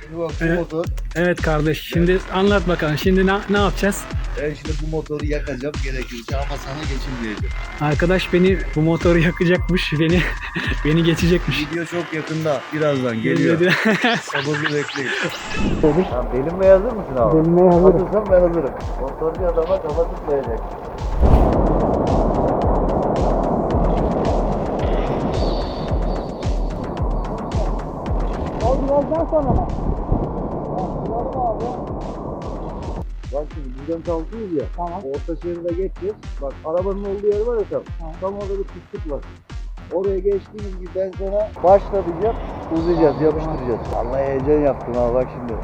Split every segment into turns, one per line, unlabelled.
Şimdi bak bu
Evet.
motor.
Evet kardeş, şimdi anlat bakalım. Şimdi ne yapacağız?
Ben şimdi bu motoru yakacağım gerekirse ama sana geçirmeyeceğim.
Arkadaş beni bu motoru yakacakmış, beni geçecekmiş.
Video çok yakında. Birazdan geliyor.
Dedi.
Sabırlı bekleyin. Tamam, delinmeye hazır mısın abi?
Delinmeye hazırım.
Hazırsan ben hazırım. Motorcu adama kafa tutmayacak.
Birazdan sonra mı?
Bak şimdi buradan kalkıyoruz ya.
Tamam.
Orta şeride geçeceğiz. Bak arabanın olduğu yer var ya tam.
Tamam.
Tam orada bir pislik var. Oraya geçtiğimiz gibi ben sana başla diyeceğim. Uzayacağız, yapıştıracağız. Allah heyecan yaptım ha bak şimdi.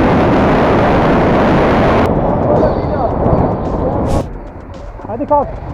Hadi kalk.